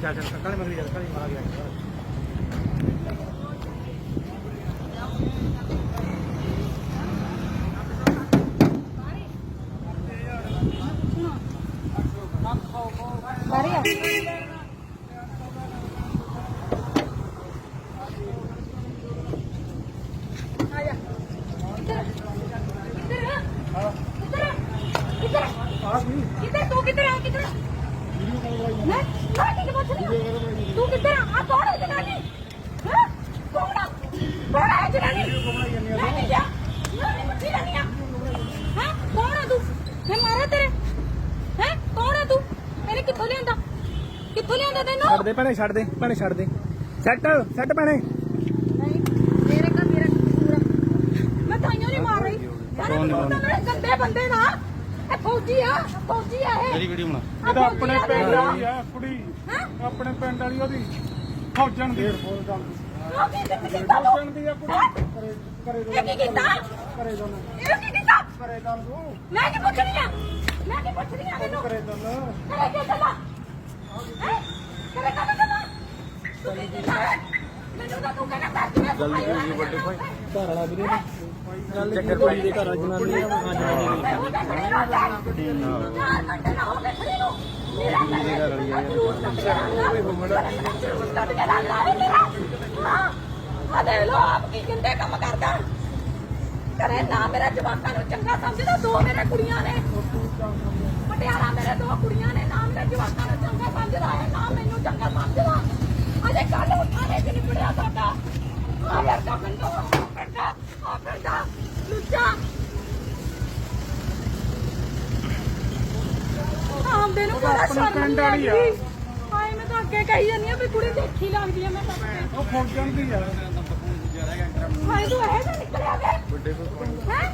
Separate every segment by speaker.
Speaker 1: ਚੱਲ ਚੱਲ ਕਾਲੇ ਮਗਰੀ ਚੱਲ ਕਾਲੇ ਮਾਰ ਗਿਆ
Speaker 2: किधर तू किधर है किधर मैं ठीक बात नहीं तू किधर आ कौन है जनानी हां कौन है जनानी मैं नहीं जा मैं मच्छी नहीं हां कौन है तू मैं मारा तेरे हैं कौन है तू मेरे किथों लियांदा तैनू
Speaker 1: ਛੱਡ ਦੇ ਭੈਣੇ ਛੱਡ ਦੇ ਸੈੱਟ ਭੈਣੇ
Speaker 2: नहीं मेरे का मेरा पूरा मैं ताइयों नहीं मार रही यार गंदे बंदे ना फौजी आ है
Speaker 1: ਮੇਰੀ ਵੀਡੀਓ ਬਣਾ
Speaker 3: ਇਹ ਤਾਂ ਆਪਣੇ ਪਿੰਡ ਵਾਲੀ ਆ ਕੁੜੀ ਆਪਣੇ ਪਿੰਡ ਵਾਲੀ ਉਹਦੀ ਫੌਜਣ ਦੀ ਫੌਜਣ ਦੀ ਆ ਕੁੜੀ ਕਰੇ
Speaker 2: ਇਹ ਕੀ ਕੀਤਾ
Speaker 3: ਕਰੇ ਦੋਨ
Speaker 2: ਇਹ ਕੀ ਕੀਤਾ
Speaker 3: ਕਰੇ ਦੋਨ ਤੂੰ
Speaker 2: ਮੈਂ ਕੀ ਪੁੱਛਣੀ ਆ ਮੈਨੂੰ
Speaker 3: ਕਰੇ ਦੋਨ
Speaker 2: ਕਰੇ ਕੀ ਚੱਲਾ ਹੈ ਕਰੇ ਕੰਮ ਚੱਲਾ ਤੂੰ ਕੀ ਕੀਤਾ ਮੈਨੂੰ ਤਾਂ ਤੂੰ ਕਹਿੰਦਾ
Speaker 1: ਜਲਦੀ ਜੀ ਵੱਡੇ ਭਾਈ ਘਰ ਵਾਲਾ ਵੀਰੇ ਚੱਕਰ ਪਈ ਦੇ ਘਰ ਜਨਾਨੀ ਆ ਜਨਾਨੀ
Speaker 2: ਕਰੇ ਨਾ ਮੇਰਾ ਜਵਾਕਾਂ ਨੂੰ ਚੰਗਾ ਸਮਝਦਾ ਦੋ ਮੇਰੇ ਕੁੜੀਆਂ ਨੇ ਪਟਿਆਲਾ ਮੇਰੇ ਦੋ ਕੁੜੀਆਂ ਨੇ ਨਾ ਮੇਰੇ ਜਵਾਕਾਂ ਨੂੰ ਚੰਗਾ ਸਮਝਦਾ ਹੈ ਨਾ ਮੈਨੂੰ ਚੰਗਾ ਸਮਝਦਾ ਅਜੇ ਕੱਲ ਉਠਾਣੇ ਚ ਨਿਬੜਿਆ ਸਾਡਾ ਆ ਯਾਰ ਦਾ ਬੰਦੋ ਆ ਫਿਰਦਾ ਲੁੱਚਾ ਆਂਦੇ ਨੂੰ ਬੜਾ ਸ਼ਰਮ ਆਈ ਹਾਏ ਮੈਂ ਤਾਂ ਅੱਗੇ ਕਹੀ ਜਾਂਦੀ ਆ ਵੀ ਕੁੜੀ ਦੇਖੀ ਲੱਗਦੀ ਆ ਮੈਂ ਤਾਂ
Speaker 3: ਉਹ ਫੌਜਣ ਦੀ ਆ
Speaker 2: ਹਾਏ ਤੂੰ ਇਹ ਤਾਂ ਨਿਕਲਿਆ ਵੇ
Speaker 1: ਵੱਡੇ ਕੋਲ
Speaker 2: ਹੈ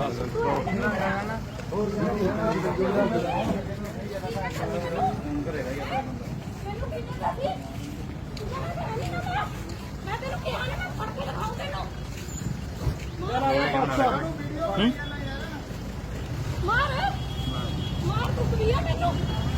Speaker 2: ਮੈਂ ਤੈਨੂੰ ਕਿਹਾ ਨਾ ਮੈਂ ਫੜ ਕੇ ਦਿਖਾਉਂ ਤੈਨੂੰ ਮਾਰ ਤੂੰ ਕਲੀਆ ਮੈਨੂੰ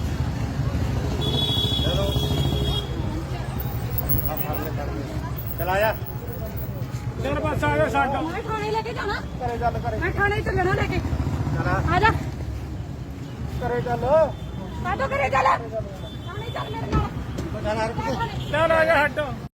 Speaker 1: ਚਲ ਆਇਆ
Speaker 3: ਚੱਲ ਬਸ ਆ ਜਾ ਛੱਡ
Speaker 2: ਮੈਂ ਥਾਣੇ ਲੈ ਕੇ ਜਾਣਾ
Speaker 3: ਕਰੇ ਚੱਲ ਕਰੇ
Speaker 2: ਮੈਂ ਥਾਣੇ ਚੱਲਣਾ ਲੈ ਕੇ
Speaker 1: ਚਲ
Speaker 2: ਆ ਜਾ
Speaker 3: ਕਰੇ ਚੱਲ
Speaker 2: ਕਾਟੋ ਕਰੇ ਚੱਲ ਥਾਣੇ ਚੱਲ ਮੇਰੇ ਨਾਲ
Speaker 1: ਚੱਲ
Speaker 3: ਚੱਲ ਆ ਜਾ ਹੱਟ